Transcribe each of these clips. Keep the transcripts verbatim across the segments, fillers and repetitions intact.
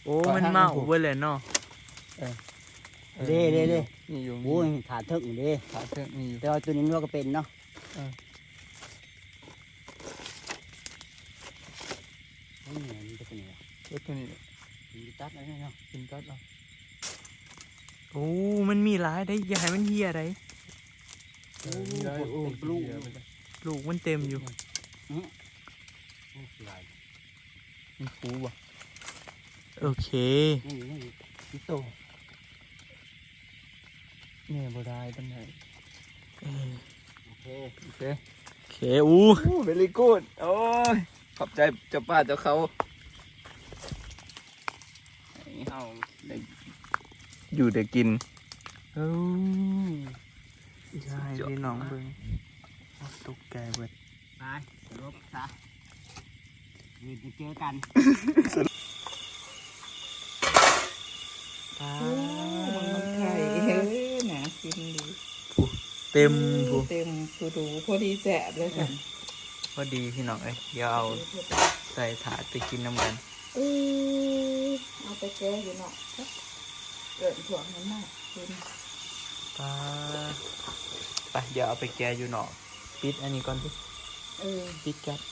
โอ้มันเมาเว้ยเลยเนาะเด้เด้เด้มีอยู่มีโอ้ยขาเถิกอยู่เด้ขาเชือกมีอยู่แต่ว่าตัวนี้เราก็เป็นเนาะนี่มันจะเป็นยังไงรถตัวนี้มีตัดอะไรเนาะกินกัดเอาโอ้มันมีหลายได้อย่าให้มันเฮียได้เออมีได้โอ้เป็นลูกเดี๋ยวมันจะลูกมันเต็มอยู่อืมลูกลายมีฟูบ่โอเคนี่นี่นี่โตแม่บ่ได้ตั้งไหนเออโอเคโอเคโอเคอู้โอ้เวลี่กูดโอ้ยขอบใจเจ้าป้าเจ้าเขาให้เฮาได้อยู่ได้กินเอ้ยใช่พี่น้องเบิ่งตกใจเบิดไปสรุปซะนี่จะเจอกันปลามันไข่เฮ้ยหนากินดีเต็มผู้เต็มผู้ดูพอดีแสบเลยค่ะพอดีพี่น้องเอ้ยเดี๋ยวเอาใส่ถาดไปกินน้ำกันเออเอาไปแก้อยู่เนาะเกิดถ่วงมันมากคุณปลาไปเดี๋ยวเอาไปแกะอยู่หนอกปิดอันนี้ก่อนพี่เออปิดกัน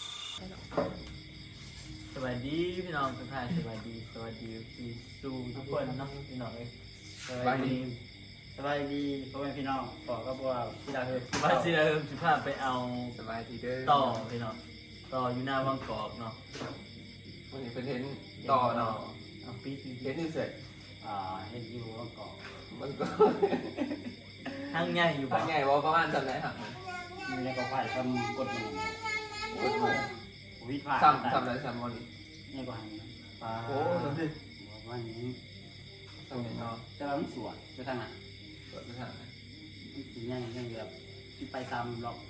สวัสดีพี่น้องทุกท่านสวัสดีสวัสดีพี่สู่ทุกคนเนาะพี่น้องเอ้ยสบายดีสบายดีพ่อแม่พี่น้องขอกับว่าพี่ดาวเฮอมาสิเราสิพาไปเอาสบายดีเด้อต่อพี่น้องต่ออยู่หน้าวังกอกเนาะวันนี้เป็นเห็นต่อเนาะเอาปิดเห็นอยู่เสร็จอ่าเฮ็ดอยู่ว่าก่อมันก็ทางใหญ่อยู่ทาบ่งไงว่าประมาณจำไหนหักมันมีแล้วก็ไฟทำกดมือกดมือวิพากษ์ซ้ำซ้ำอะไรซ้ำวันนี้นี่ก็หันปลาโอ้สำเร็จวันนี้สำเร็จเนาะจะเราสวนจะทางไหนเปิดไปทางไหนยังยังแบบที่ไปตามหลอก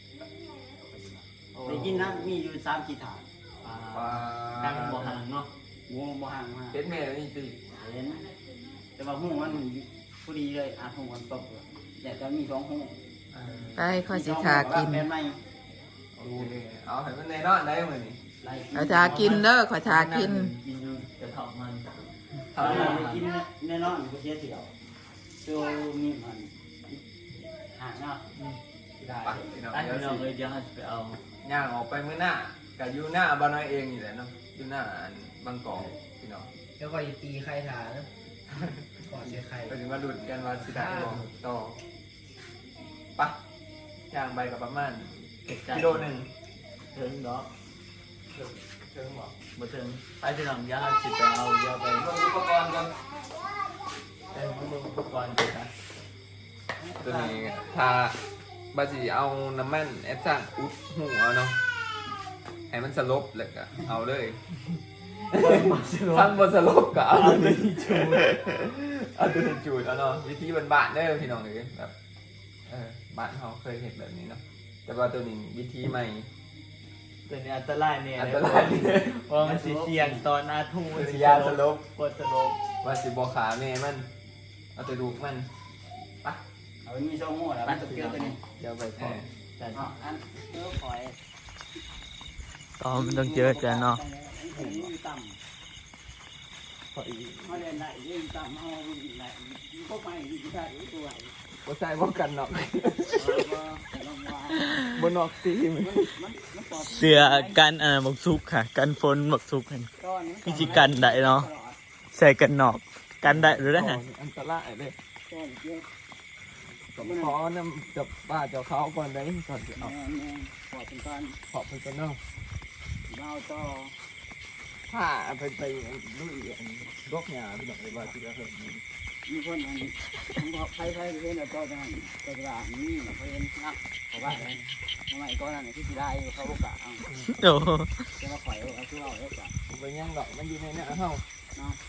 ได้ยินนะมีอยู่สามขีดฐานปลาปลาทางบ่ห่างเนาะงูบ่ห่างมาเห็นแม่นี่สิเห็นแต่ว่าหูมันพอดีเลยอาหูมันตกเลยแต่จะมีสองหูไปขอสิทากินแม่ไม่โอเคเอาให้มันในนอนได้เหมือนนี่ขอทากินเด้อขอทากินกินอยู่กระเทาะมันทำให้กินแน่นอนกูเสียเที่ยวตัวมีมันห่างเนาะได้ไปพี่น้องไอ้เดี๋ยวพี่น้องสิเลยเดี๋ยวเราจะไปเอาย่างออกไปมื้อหน้ากับอยู่หน้าบ้านน้อยเองนี่แหละเนาะอยู่หน้าอันบางกอกพี่น้องแล้วก็ตีใครถ่ายแล้วก่อนเสียใครก็ถึงมาหลุดกันว่าสิได้บอกต่อปะย่างไปกับประมาณเก็บใจกิโลหนึ่งถึงดอกเชิงบอกบ่ถึงไปพี่น้องเดี๋ยวเราจะไปเอาเดี๋ยวไปเบิ่งอุปกรณ์กันไปเบิ่งอุปกรณ์กันนะตัวนี้ถ้าบาสิเอาน้ำมันแอดซันอุดหัวเนาะให้มันสลบเลยก็เอาเลยทั้งบนสลบก็เอาตัวนี้จูดเอาตัวนี้จูดเอาเนาะวิธีบ้านๆเด้อพี่น้องเลยแบบเออบ้านเขาเคยเห็นแบบนี้เนาะแต่ว่าตัวนี้วิธีใหม่ตัวนี้อันตรายเนี่ยอันตรายนี่เพราะมันสิเสี่ยงตอนอาทูวิทยาสลบกดสลบว่าสิบอขาแม่มันเอาตัวลูกมันไปเอามีสองหูแล้วมันจะเกี่ยวตัวนี้เดี๋ยวไปพเอออแต่อ๋ออันเนื้อหอยต่อมันต้องเจอกันเนาะต่ำพออีกเขาเรียนได้เรียนต่ำเขาได้พวกไปอยู่ได้ตัวไหนบ่ใส่บ่กันเนาะแต่ลงมาบ่นอกตีมันมันมันปลอดเสื้อกันอ่าบักซุกค่ะ กันฝนบักซุกเห็นก้อนพี่จิกันได้เนาะใส่กันนอกกันได้หรือได้ฮะอันตรายเด้ก้อนเยอะกับขอน้ำกับป้าเจ้าเขาก่อนได้ก่อนสิเอาแม่แม่ปลอดเป็นก้อนขอบคุณกันเนาะเราต่อผ้าไปไปลุยอันรกหญ้าพี่น้องเลยว่าสิจะเฮ็ดนี่มีคนอันทั้งใครใครเรียนแล้วก็จะก็จะนี่นะเขาเรียนนะเพราะว่าทำไมก้อนนั้นที่ที่ได้เขาโอกาสโอ้จะมาข่อยเอาที่เราเอกาสไปย่างดอกมันอยู่ในเนี้เฮาเนาะ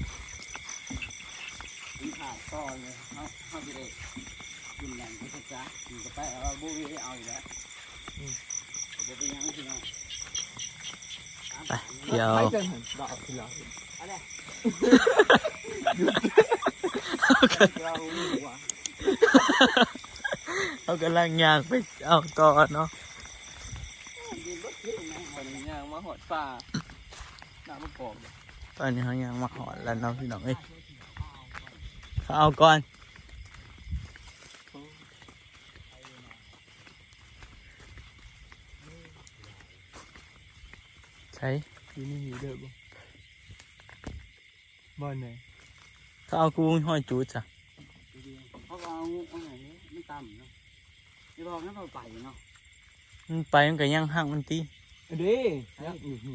กินขาดก้อนเลยเขาเขาจะได้กินอย่างที่เขาจะกินก็ไปเอาบุ้ยเอาอยู่แล้วจะเป็นยังไงพี่น้องไปเดี๋ยวไปจังหั่นดอกที่เราอะไรเอากันเราไม่รู้ว่าเอากำลังย่างไปเอาต่อเนาะยืนรถเยอะนะวันนี้ย่างมาหอดป่าน้ำมะกอกไปตอนนี้เขายังมาหอดแล้วเนาะพี่น้องเอ้ยเขาเอาก่อนใช่ที่นี่มีเด้อบ่บ้านไหนเขาเอากูห้อยจูดจ้ะเขาก็เอาเอาไหนนี้มันต่ำเนาะจะบอกนั่นเราไปเนาะมันไปมันก็ยังห่างมันตีเด้ยักอยู่นี่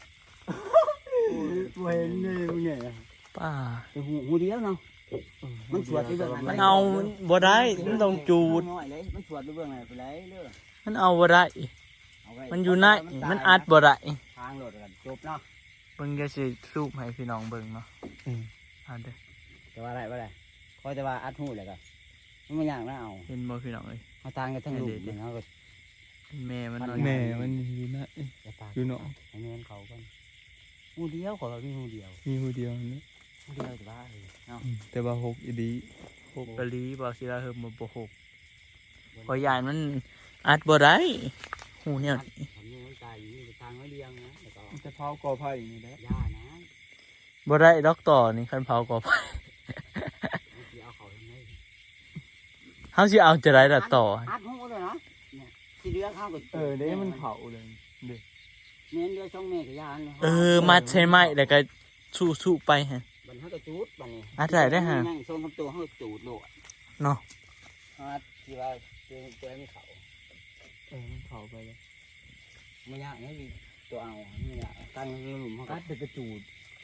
บ่เห็นเลยมึงเนี่ยป้าแต่หูหูเดียวเนาะมันสวดไปเบื้องไหนมันเอาบ่ได้มันต้องจูดน้อยเลยมันสวดไปเบื้องไหนไปเลยเด้อมันเอาบ่ได้เอาไว้มันอยู่ในมันอัดบ่ได้ทางโหลดกันจบเนาะเบิ่งจะสิสูบให้พี่น้องเบิ่งเนาะเอาเด้อแต่ว่าอะไรว่าอะไรคอยแต่ว่าอัดหูเลยกันมันไม่ยากนะเอาเห็นบ่พี่น้องเอ้ยเอาทางกันทั้งลูกเลยเนาะก็แม่มันนอนแม่มันอยู่นะจะตากอยู่เนาะให้แม่นเขาก่อนหูเดียวขอเรามีหูเดียวมีผู้เดียวนี่หูเดียวแต่ว่าเลยเนาะแต่ว่าหกอีดีหกกะลีบ่สิลาเฮิมบ่บ่หกเพอยานมันอัดบ่ได้หูเนี่ยทำนี่มันตายอยู่นี่ทางไม่เลี้ยงนะแล้วก็มันจะเผากอไผ่นี่แหละย่านะบ่ได้ดอกต่อนี่คันเผาก็ไปมันสิเอาเขาทำไงเฮาสิเอาจะได้ละต่ออัดหูเลยนะเนี่ยที่เรือเข้ากับเออเด้มันเผาเลยเด้เน้นเรือช่องเมฆกับย่าเนี่ยเออมัดใช่ไหมแล้วก็สู้ๆไปฮะบันเขาก็จูดบันนี้อัดได้ได้ฮะนั่งทรงคำตัวเขาก็จูดโลดเนาะอัดที่ว่าตัวตัวไม่เขาเออมันเผาไปเลยไม่ยากนี่มีตัวเอาไม่ยากตั้งหลุมเขาก็กัดแต่กระจูด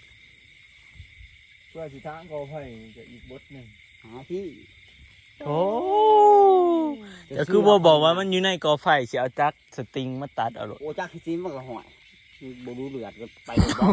เพื่อสิทางกอไผ่จะอีกบทหนึ่งหาที่โอ้แต่คือบ่บอกว่ามันอยู่ในกอไฟสิเอาจักรสตริงมาตัดเอาโลดโอ้จักที่ซิมมันก็ห่วยบดูเลือดก็ไป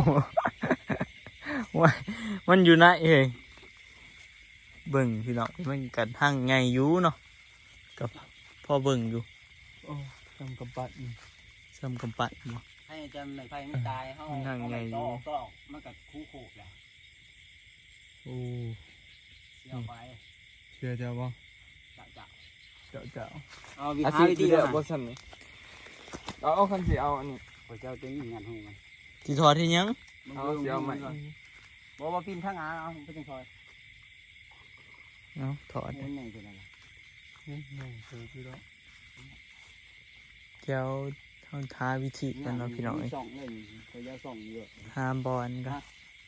ว่ามันอยู่ในเฮ้ยเบิ่งพี่น้องมันกันทางไงอยู่เนาะกับพ่อเบิ่งอยู่โอ้ทำกำปั้นซ้ำกำปั้นบ่ให้จำในไฟไม่ตายเขานั่งไงอยู่ก็ก็มันก็คู่โขกแหละโอ้เสียไปเชื่อเจ้าบ่จับจับเจ้าเจ้าเอาวิอาธีชีพวิธีที่เดียวนะบ่สั่นนี่เอาเอาคันสิเอาอันนี้พระเจ้าจะยิงงานหูมันที่ทอดที่ยังเอาสิเอาใหม่บอกว่าปีนข้างอาเอาไปจังซอยเนาะถอดมันใหญ่ตัวนั้นนี่นี่คือพี่น้องเจ้าทางท้าวิธีกันเนาะพี่น้องเอ้ยส่องเลยพระเจ้าส่องเยอะหามบอลกัน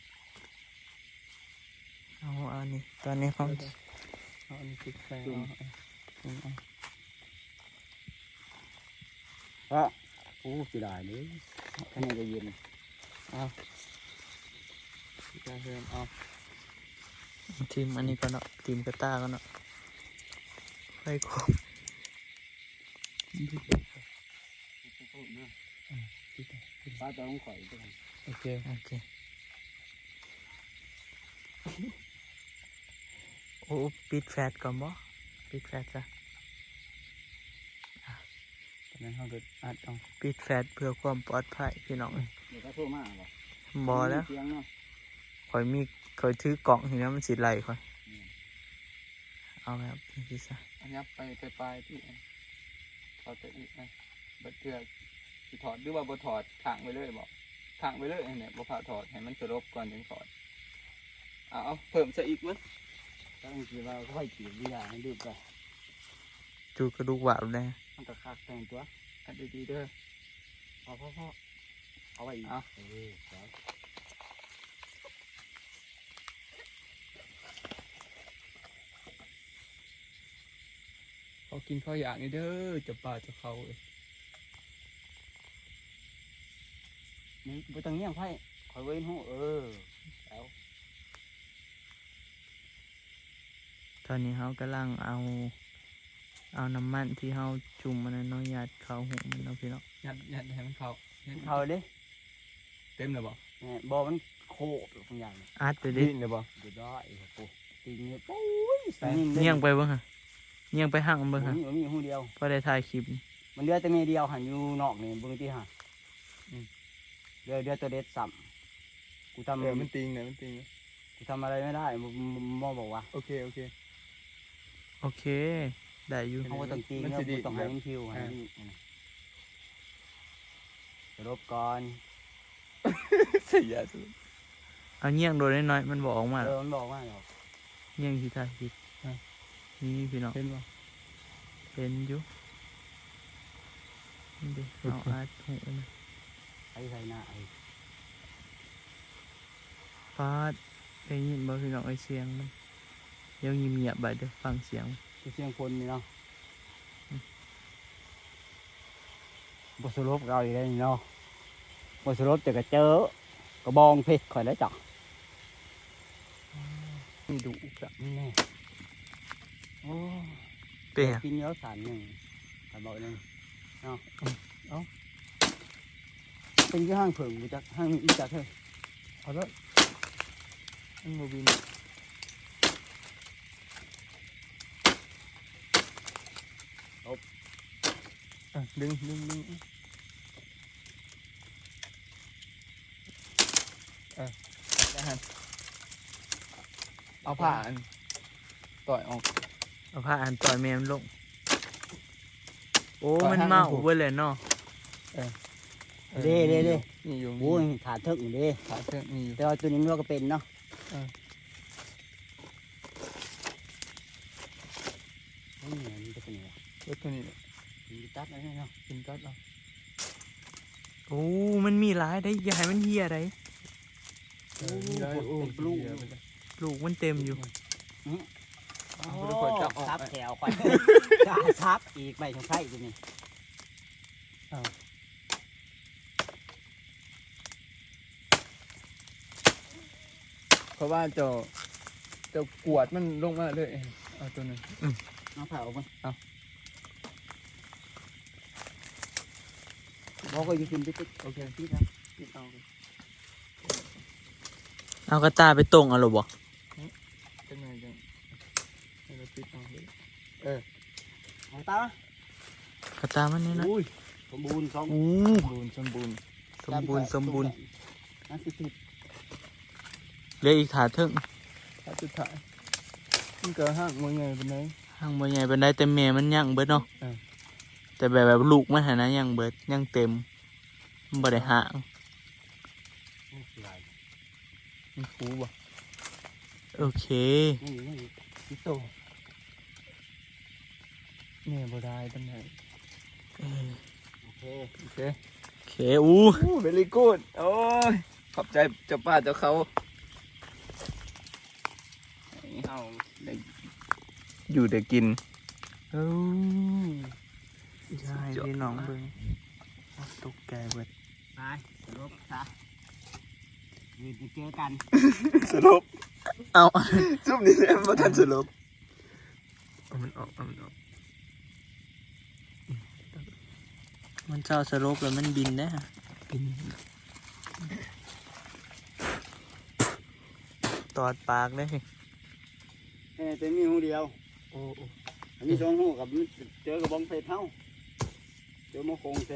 เอาอันนี้ตอนนี้เขาเอาอันนี้ติดแฟนเอาเอาเพราะโอ้เสียดายเลยข้างในจะเย็นติดแฟนเอาทีมอันนี้ก็เนาะทีมกระต้าก็เนาะไปครบป้าจะต้องข่อยด้วยโอเคโอเคโอ้ปิดแฟลชก่อนบ่ปิดแฟลชจ้ะตอนนั้นเขาเกิดอัดเอาปิดแฟลชเพื่อความปลอดภัยพี่น้องเดี๋ยวก็โทรมาบ่บอแล้วเสียงเนาะคอยมีคอยถือกล่องทีนี้มันสิไหลคอยเอาแบบนี้ซะอันนี้ไปไปปลายที่ถอดแต่อีกนะบัดเทือกสิถอดหรือว่าบ่ถอดทางไปเลยบ่ทางไปเลยเนี่ยบ่ผ่าถอดให้มันสลบก่อนถึงถอดเอาเอาเพิ่มซะอีกมั้ยตั้งทีว่าก็ค่อยขีดวิญญาณให้ดูไปจูกระดูกหวานเลยมันก็คักแต่งตัวอันดีๆเด้อพอพอพอเอาไว้อีกเออเดี๋ยวเขากินข้าวอย่างนี้เด้อจะป่าจะเขาเอ้ยนี่ไปตรงนี้ยังไพ่คอยเว้นหูเออแล้วตอนนี้เขากำลังเอา เอาน้ำมันที่เขาจุ่มมันน้อยหยาดเขาหุงมันเนาะพี่น้องยัดยัดให้มันเข้ายัดเขาดิเต็มเลยบ่เนี่ยบอมันโคบบางอย่างอัดไปดิดิ้นเลยบ่เดี๋ยวได้โอ้ตีเงี้ยปุ้ยใส่นิ่งเงี่ยงไปเบิ่งฮะเงี่ยงไปห่างเบิ่งมัฮะนมีหูเดียวพอได้ถ่ายคลิปมันเดือแต่เมเดียวหันอยู่นอกนี่เบิ่งที่ห่าเดือเดือตัวเด็ดสัมกูทำเออมันติงเลยมันติงเลยกูทำอะไรไม่ได้มอบอกว่าโอเคโอเคโอเค ได้อยู่เขาก็ต้องตีมันแล้วสิดีต้องให้มันคิวให้รบก่อนเสียสุดเอาเงี้ยงโดนน้อยๆมันบอกออกมาเออมันบอกว่าหรอกเงี้ยงที่ท่าคิดนี่พี่น้องเป็นบ่เป็นอยู่นี่ดิเอาอาดหูมันไอ้ไทยหน้าไอ้ฟาดได้ยินบ่พี่น้องไอ้เสียงมันเดี๋ยวเงียบๆไปเดี๋ยวฟังเสียงเสียงคนนี่เนาะบทสรุปเราอีกแล้วนี่เนาะบทสรุปจะกระเจอกระบองเพชรข่อยแล้วจ้ะนี่ดุแบบนี้แน่โอ้เปียกินเยอะสารหนึ่งสารบอกหนึ่งเนาะเอ้าเป็นที่ห้างเผิงมาจากห้างนี้จากเธอเอาละอันโมบินอ่ะดึงดึงดึงเออได้ฮะเอาผ่านต่อยออกเอาผ้าอ่านต่อยแมมนลงโอ้ต่อยมันห้างเมามันผูกเว้ยเลยเนาะเด้เด้เด้นี่อยู่โอ้ยขาดเทิกอยู่เด้ขาเชือกนี่อยู่แต่ว่าตัวนี้มันก็เป็นเนาะนี่มันจะเป็นยังไงรถตัวนี้มันตัดอะไรเนาะกินกัดเอาโอ้มันมีหลายได้อย่าให้มันเฮียได้โอ้โหเป็นปลูกลูกมันเต็มอยู่โอ้ซับแถวก่อนกาซับอีกใบของไข่ตัวนี้เพราะว่าเจะจะกวดมันลงมาเลยเอาตัวนึงเอาเผามันเอาบอกว่าอยู่กินติ๊กโอเคติ๊กนะติ๊กเอาเอากระตาไปตรงเอาหรอบ่จังไงจังให้เราปิดเอาเลยเอาตากระตามันนี่นะอุ้ยสมบูรณ์สองอู้สมบูรณ์สมบูรณ์สมบูรณ์สมบูรณ์นั่นสิสิบเหลืออีกถาเทึ่งถ้าสุดท้ายมันเกิดห้างมวยไงเป็นไงห่างบ่ใหญ่เป็นได้แต่แม่มันยังเบิดเนาะเออแต่แบบแบบลูกมันหานะยังเบิดยังเต็มมันบ่ได้ห่างมันฟูบ่โอเคนี่นี่พี่โตแม่บ่ได้ตั้งไหนเออโอเคโอเคโอเคอู้อู้เวลี่กูดโอ้ยขอบใจเจ้าป้าเจ้าเขาให้เฮาได้อยู่ได้กินเอ้าใช่พี่น้องเบิ่งตกใจเบิดไปสรุปซะยืนเจอกันสรุปเอาซุปนี้แม่บ่ทันสรุปเอามันออกเอามันออกมันเจ้าสลบแล้วมันบินได้ฮะกินตอดปากได้เออแต่มีหูเดียวโอ้โอ้อันนี้สองหูกับเจอกับบองเพชรเท่าเจอมะคงแท้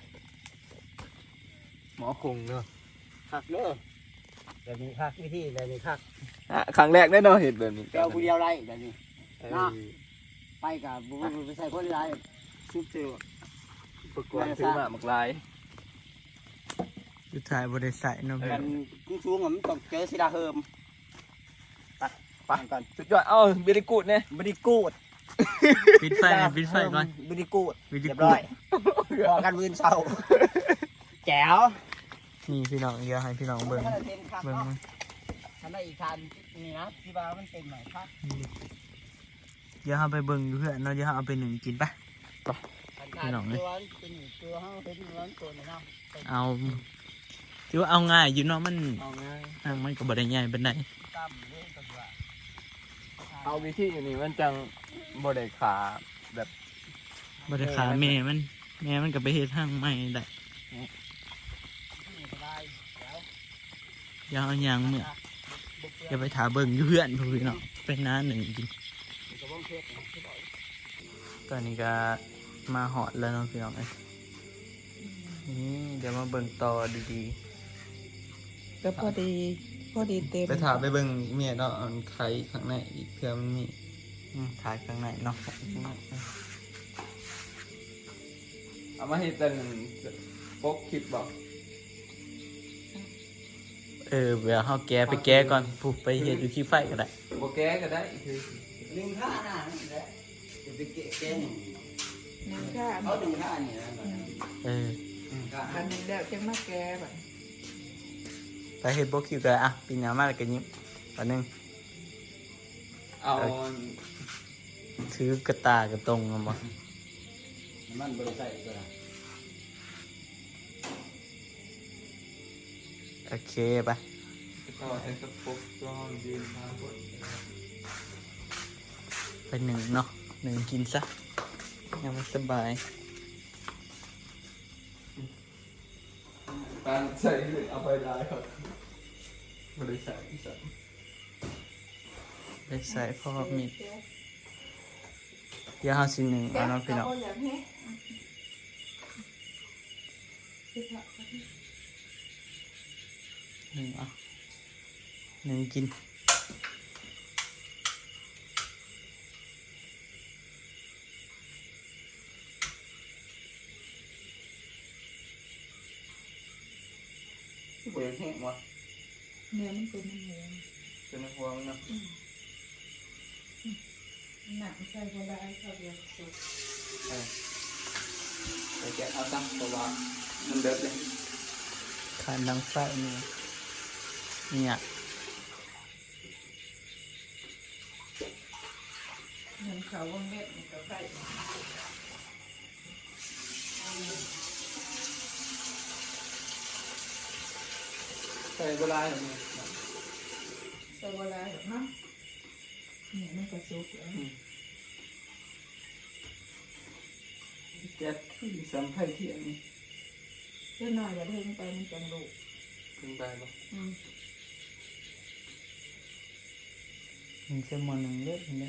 หมอคงเนาะคักเด้อแบบนี้คักวิธีแบบนี้คักอ่ะครั้งแรกได้เนาะเห็นแบบนี้เจ้าผู้เดียวไรแบบนี้เออเนาะ ไปกับบุบไปใส่คนไรซุปเสือประกวดซื้อมาหมากลายสุดท้ายบ่ได้ใส่เนาะกันกุ้งสูงๆอะมันต้องเจอสีดาเฮิมไปไปก่อนสุดยอดเอ้าเบริกูดเนี่ยบริกูดปิดไฟก่อนปิดไฟก่อนบริกูดวิดีเรียบโอร้อยพอกันวืนเศร้าแจ๋วนี่พี่น้องเดี๋ยวให้พี่น้องเบิ่งถ้าเต็มคักเบิ่งเนาะมันถ้าได้อีกคันนี่นะที่บ้านมันเต็มหน่อยครับเดี๋ยวเอาไปเบิ่งอยู่เพื่อนเนาะเดี๋ยวเอาไปหนึ่งกินปะคันพี่น้องเลยตัวเป็นอีกตัวห้าเป็นร้อนตัวหนึงเนาะเอาถือว่าเอาง่ายอยู่เนาะมันเอาง่ายห่างมันก็บ่ได้ใหญ่ปานใดตั้มเล่นตัวเอาวิธีอย่างนี้มันจังบ่ได้ขาแบบบ่ได้ขาแม่มันแม่มันก็ไปเฮ็ดห่างใหม่ได้นี่สบายแล้วเดี๋ยวเอาหยังมื้อจะไปถาเบิ่งอยู่เพื่อนพู้พี่น้องไปน้าหนึ่งกินกระบองเพชรนะที่บอกตอนนี้ก็มาหอดแล้วเนาะพี่น้องเอ้ยนี่เดี๋ยวมาเบิ่งต่อดีๆก็พอดีพอดีเต็มไปถามไปเบิ่งเมียเนาะอันไข่ข้างในอีกเพื่อมันมีอืมถ่ายข้างในเนาะเอามาให้เป็นปกคลิปบอกเอออเดี๋ยวเฮาแก้ไปแก้ก่อนปุ๊บไปเฮ็ดอยู่ที่ไฟก็ได้บ่แก้ก็ได้คือลิงท่าหน้านี่แหละจะไปเกะแกนี่นึ่งข้าเขาดึงท่านี่นะเอออันหนึ่งแล้วจะมาแก้แบบไปเฮ็ดบ่คิวก็อ่ะปีหน้ามาแล้วก็ยิ้มอันนึงเอาถือกระตากระตรงเอาบ่มันบริใส่ก็ได้โอเคไปต่อใช้กระปุกก็ยืนทางบนไปหนึ่งเนาะหนึ่งกินซะยังไม่สบายการใส่เอาไปได้ครับบริษัทที่สามไปใส่พ่อมีดเดี๋ยวเฮาสิหนึ่งเอาเนาะพี่น้องอย่างนี้หนึ่งเอาหนึ่งกินเปลี่ยนแห้งวะเนื้อมันเป็นเนื้อเป็นหัวมันเนาะหนังใส่ก็ได้ข้าวเดียวสุกไปแกะเอาตั้งตัววางมันเดือดเลยขานดังไฟนี่เนี่ยเงินเขาวงเม็ดมันก็ใส่ใส่โบราณแบบนี้ใส่เวลาแบบนั้นเนี่ยมันก็สุกแล้วแก๊สที่สัมผัสเทียนนี่เพื่อหน่อยอย่าเพิ่งไปมันจังลูกถึงไปปะอืมมันจะมอหนึ่งเลือดเนี่ย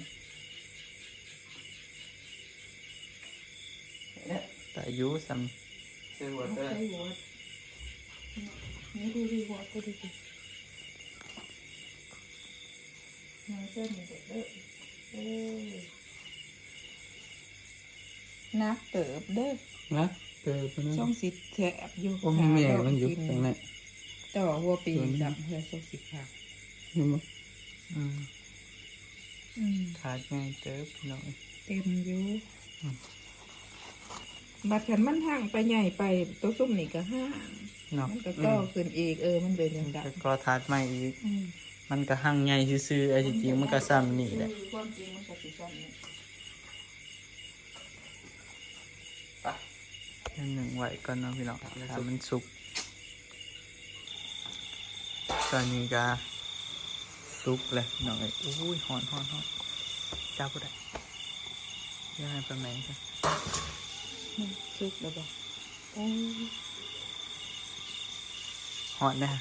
เนี่ยแต่อายุซ้ใส่หัวเอาเต้ใส่หัวนี่ดูดีหัวก็ดีดีน้ำเส้นมันเด็ดเด้อเออนักเติบเด้อำนะเติมไปนะช่องสิแฉบอยู่โอ้แม่มันอยู่ตรงไหนต่อหัวปีดำเพื่อช่องสิขาดเห็นไหมอืมอืมขาดง่ายเติบพี่น้องเต็มอยู่บัดขันมันห่างไปใหญ่ไปตัวซุ่มนี่ก็ห่างเนาะมันก็ต่อขึ้นอีกเออมันเป็นอย่างแล้นั้นวก็ทาดใหม่อีกอืมมันก็หั่งใหญ่ซื่อๆไอ้จริงๆมันก็ซ้ำนี่แหละความจริงมันก็สิซ้ำนี่อันหนึ่งไว้ก่อนเนาะพี่น้องถ้ามันสุกตอนนี้ก็สุกเลยพี่น้องเอ้ยอุ้ยหอนหอนหอนจับบ่ได้เดี๋ยังให้ปลาแมงกันมันสุกแล้วบ่โอ้ยหอนนะ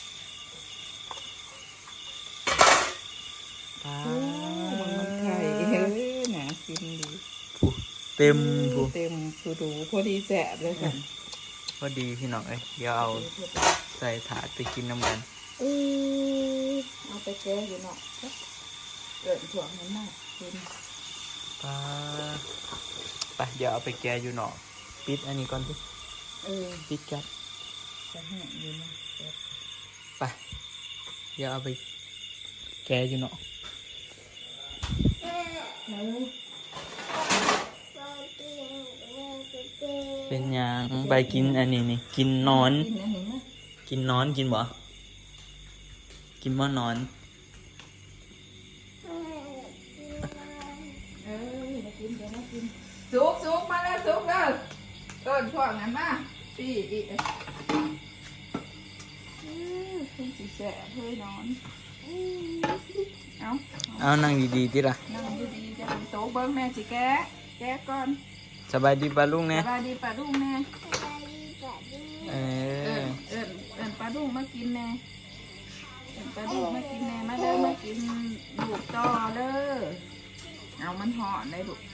ปลาโอ้มันมันไข่เฮ้ยหนากินดีผู้เต็มผู้เต็มผู้ดูพอดีแสบเลยค่ะพอดีพี่น้องเอ้ยเดี๋ยวเอาใส่ถาดไปกินน้ำกันเออเอาไปแก้อยู่เนาะเกิดถ่วงมันมากกินปลาไปเดี๋ยวเอาไปแกะอยู่เนาะปิดอันนี้ก่อนสิเออปิดแก๊สจะแห้งอยู่เนาะไปเดี๋ยวเอาไปแกะอยู่เนาะเออเป็นหยังไปกินอันนี้นี่กินนอนกินอันนี้นะกินนอนกินบ่กินบ่นอนเออมากินเดี๋ยวมากินสุกสุกมาแล้วสุกแล้วเกินถ่วงนั้นมาปีอีกอือคุณสิแสบเฮ้ยนอนเอาเอานั่งดีๆติล่ะนั่งดีๆจะเป็นโต๊ะเบิ้งแม่สิแกะแกะก่อนสบายดีปะลุงสเนี่ยบายดีป่าดุ้งแม่เอเอิอญเอิญเอิญปลาดุ้งมากินแน่เอิญปลาดุ้งมากินแน่มาเด้อมากินลูกต่อเด้อเอามันห่อนได้ลูก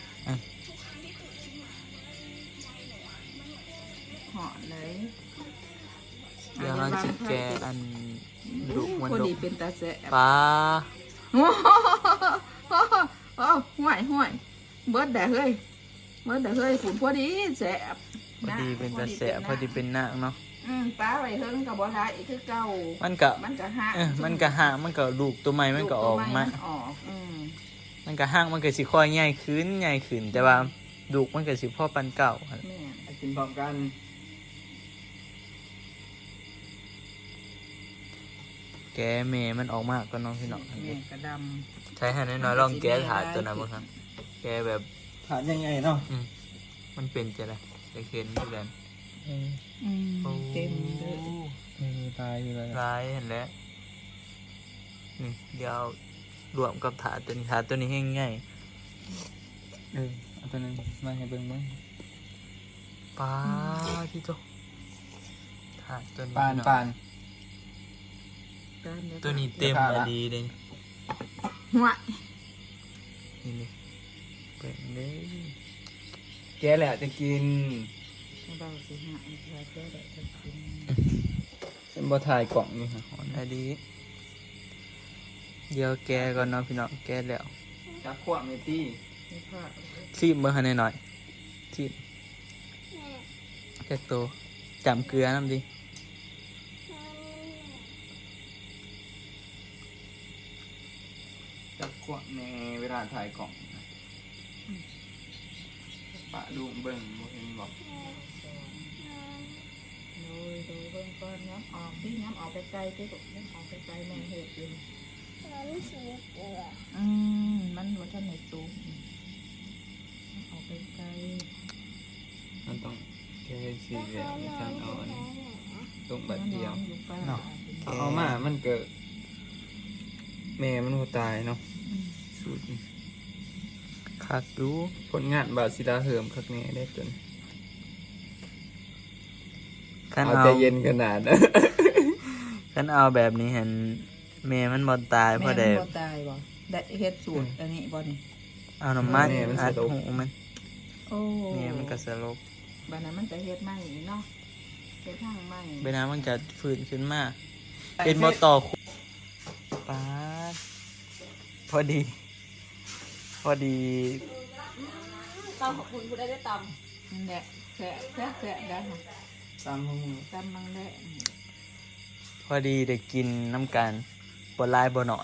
ห่อนเลยเดี๋ยวเราจะแกะอันดุมันพอดุดีเป็นตาแสบปลาโอ้โหห่วยห่วยเบิดแต่เฮ้ยเบิดแต่เฮ้ยฝุ่นพอดีแสบพอดีเป็นตาแสะพอดีเป็นหน้าเนาะออืมป้าไว้เฮิงกับบ่ได้อีกคือเก่ามันก็มันก็หักเออมันก็ห่างมันก็ลูกตัวใหม่มันก็ออกลูมาตัวในออกอืมมันก็ห่างมันก็สิค่อยใหญ่ขึ้นใหญ่ขึ้นแต่ว่าลูกมันก็สิพ่อปันเก่าหั่นแม่นกินพร้อมกันแกแม่มันออกมาก็น้องพี่น้องอันแม่นี้กระดใช้ให้น้อยๆลองแกถาดตัวนั้นบ่ครับแกแบบถามยังไงเนาะมันเป็นจะไรจะเห็นอยู่กันำอืมโอ้เต็มเลยเออตายอยู่เลยร้ายเห็นแล้วนี่เดี๋ยวรวมกับถาดตัวนี้ถาดตัวนี้ให้ง่ายเออเอาตัวนั้นมาให้เบิ่งเบิ่งป้าที่โตถาดตัวนี้ปานเนาะปานการเยตัวนี้เต็มถาดมาละดีเลยหัวนี่นี่เป็นเลยแกแหละจะกินเบาสิหายเพื่อจะได้จะกินเป็นบ่ถ่ายกล่องนี่ฮะหอนอะดีเดี๋ยวแกก่อนเนาะพี่น้องแกแล้วจักขวบเมตี้นี่พ่อชีบเมื่อให้หน่อยชีบแกโตจำเกลือน้ำดิจักขวบในเวลาถ่ายกล่องนะปะดูเบิ่งบ่เห็นบอกโดยโดยเบิ่งก่อนย้ำออกที่ย้ำออกไปไกลที่สุดย้ำออกไปไกลแม่เห็ดอยู่อืมมันว่าท่านในตู้ย้ำออกไปไกลมันต้องแค่สี่เหลี่ยมในการเอาอันนี้ตรงแบบเดียวอยู่ป้าเอามามันเกิดแม่มันก็ตายเนาะสูตรคักดูผลงานบาซิลาเหิมคักแน่ได้จนขันเอาเอาใจเย็นขนาดนะขันเอาแบบนี้เห็นเมย์มันบอตายเพแม่ราะได้บ่ตายบ่ได้เฮ็ดสูตรอันนี้บ่นี่เอาน้ำมันอัดหูมันโอ้เมย์มันก็สลบบัดนั้นมันจะเฮ็ดใหม่เนาะเฮ็ดทางใหม่เวลามันจะฟื้นขึ้นมาเป็นบอต่อคุป๊าดพอดี พอดีตำของคุณคุณได้ได้ตนั่นแหละแสะแสะแสะได้ค่ะตามห้องตำมังได้พอดีได้กินน้ำกันบนลายบนหน่อย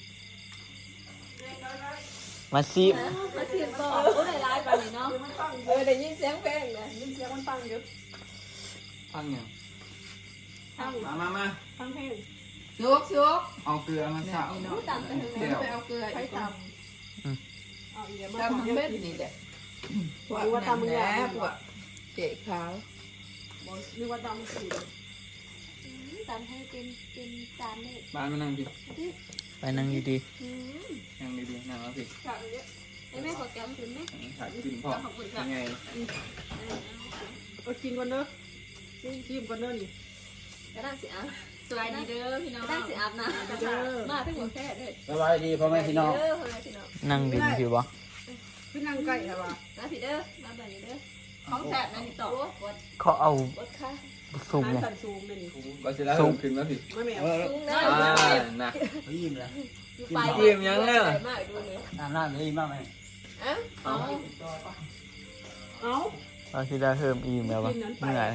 มาซิำมาเสียงต่อโอ้ยร้ายไปเลยเนาะเออได้ยินเสียงเพลงเลยยินเสียงมันฟังอยู่ฟังอย่างฟังมามามาฟังเพลงสุกสุกเอาเกลือมาเนี่ยสับอีรู้เนาะตามกันถึงเดี๋แล้ยว วไปเอาเกลือใครอีกตตำเอาอีกแล้วำมาตำทำทั้งเม็เม็ดดนี่แหละหรือว่าตำมึงอยากพวกเจ๊ขาวหรือว่าตำสีตำให้เป็นเป็นจานนี่บ้านมานั่งดิไปนั่งดีอืมนั่งดีๆนั่งแล้วสิฝากเยอะไอ้แม่ขอแก้วถึงไหมถ่ายกินพอยังไงก็กินก่อนเนอะชิมก่อนเนอะนี่ก็ได้สิอ่ะสวัสดีเด้อพี่น้องได้สิอาบน้ำเด้อมาทั้งหมดแท้เลยสบายดีพ่อแม่พี่น้องเด้อพ่อแม่พี่น้องๆ นั่งดินผิวบ่พี่นั่งใกล้ค่ะว่ามาพี่เด้อมาแบบนี้เด้อของแสบนั่นนี่ต่อวดเขาเอาวดค่ะซุ่มเลยสั่นซูมเลยนี่บาซิลาเหิมขึ้นมาผิดไม่แม่เออซูมได้อ่านะยิ้มแล้วอยู่ไปยิ้มยังเนี่ยมากดูเลยน้ำน้ำเลยยิ้มมากไหมเอ้าเอาเอาตอนที่ได้เพิ่มอีมแล้ววะเมื่อย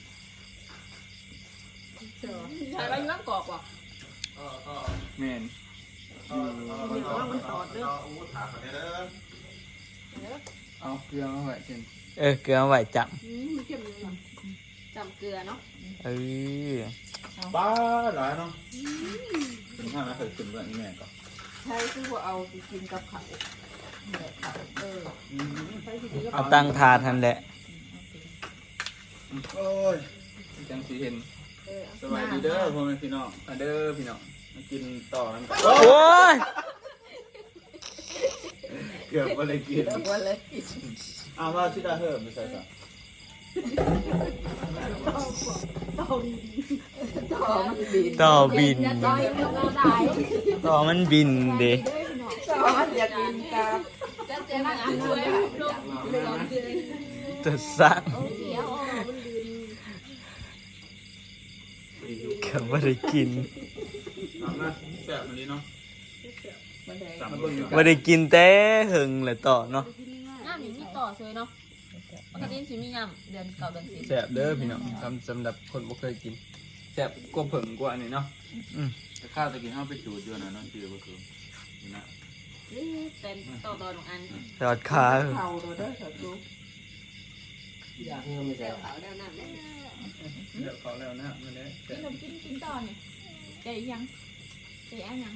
ใช่ว่าอยู่บ้านกอกว่ะแมนเดี๋ยวว่ามันตอดเด้อเอาเกลือมาไว้เช่นเออเกลือไหวจับอืมมันเข้มเลยจำเกลือเนาะเออป้าหลายเนาะถึงห้าไม่เคยกินแบบนี้แม่ก็ใช่คือว่าเอาไปกินกับข้าวแบบข้าวเออใช้ทีนี้ก็เอาตั้งถาดทันแหละโอ้ยจังสีเห็นเออสบายดีเด้อพ่อแม่พี่น้องมาเด้อพี่น้องมากินต่อกันก่อนโอ้ยเกือบไม่ได้กินเลิกวันเลยเอาว่าชิดาเหิมไม่ใช่จ้ะต่อมันบินต่อบินต่อยเราได้ต่อมันบินเด้ต่อมันอยากบินตามจะเจอมาอ่านด้วยลงเลยลงเลยจะสั่งเดี๋ยวมันดืนก็ไม่ได้กินเอามาแซ่บวันนี้เนาะมันแดงจับมาเบิ่งอยู่กันไม่ได้กินแต่หึงเลยต่อเนาะน้ำอย่างนี้ต่อเลยเนาะปกติสิมียำเดือนเก่าเดือนสิบแซ่บเด้อพี่น้องสำสำหรับคนบ่เคยกินแซ่บกว่าเพิ่งกว่าอันนี้เนาะแต่ข้าวตะกี้เฮาไปจูดอยู่น่ะเนาะชื่อบ่คือนี่นะเต็มต่อต่อหนึ่งอันสอดขาเข่าเราได้สักลูกอยากเงินไม่ใช่เดี๋ยวเขาเดี๋ยวน้ำได้เดี๋ยวเขาแล้วนะมันได้กินนมกินกินต่อเนี่ยใจยังใจเอายัง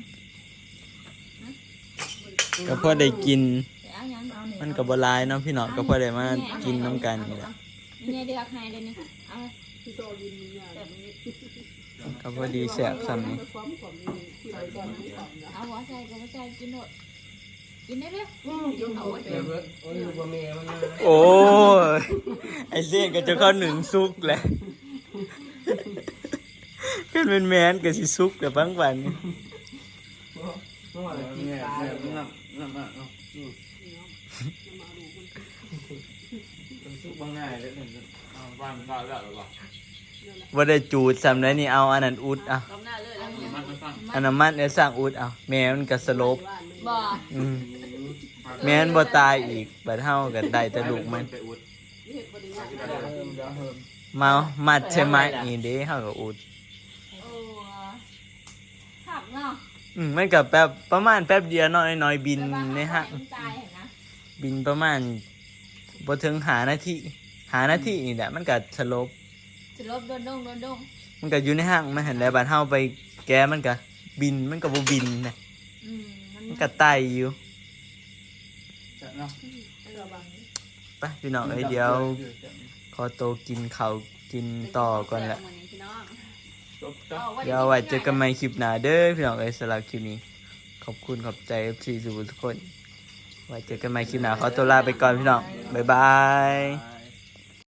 ก็พอได้กินใจเอายังเอาเนี่ยมันก็บ่หลายเนาะพี่น้องก็พอได้มากินน้ำกันนี่แหละนี่ไงเดือกให้เลยนี่เอาที่โตยินมีอย่างแบบนี้ก็พอดีแซ่บซ้ำนี่ความขมนี่ที่เราตอนนี้ขมนะเอาหัวใส่กับหัวใส่กินหมดกินได้เลยยกเอาไว้เดี๋ยวเบิดโอ้ยบ่แม่มันนะโอ้ยไอเสียนก็จะเข้าหนึ่งซุกแหละขึ้นเป็นแมนก็สิซุกแต่บางวันนี่เมื่อวานกินเนี่ยปลาเนี่ยน้ำน้ำอ่ะเนาะมันซุกบ่ง่ายเลยเนี่ยเอาวางได้แล้วหรือเปล่าว่าได้จูดซ้ำได้นี่เอาอันนั้นอุดเอากำหน้าเลยแล้วเนี่ยมันไม่ฟังอันนั้นมันเนี่ยสร้างอุดเอาแม่มันก็สลบบ่อืมแม่มันบ่ตายอีกบัดเฮาก็ได้แต่ลูกมันไปอุดเดี๋ยวเฮิมเดี๋ยวเฮิมมามัดใช่ไหมนี่เด้เฮาก็อุดโอ้ขับเนาะอืมมันก็แป๊บประมาณแป๊บเดียวเนาะน้อยๆบินในห้างตายเห็นนะบินประมาณบ่ถึงหานาทีหานาทีนี่แหละมันก็สลบจะลบโดนดงโดนดงมันก็อยู่ในห้างมันเห็นแล้วบัดเฮาไปแก้มันก็บินมันก็บ่บินนะอืมมันมันก็ไต่อยู่จะเนาะไปพี่น้องเอ้ยเดี๋ยวขอโตวกินข้าวกินต่อก่อนแหละจบจ้ะเดี๋ยวไว้เจอกันใหม่คลิปหน้าเด้อพี่น้องเอ้ยสำหรับคลิปนี้ ขอบคุณขอบใจ เอฟ ซี ทุกคนไว้เจอกันใหม่คลิปหน้าขอตัวลาไปก่อนพี่น้องบ๊ายบายบาย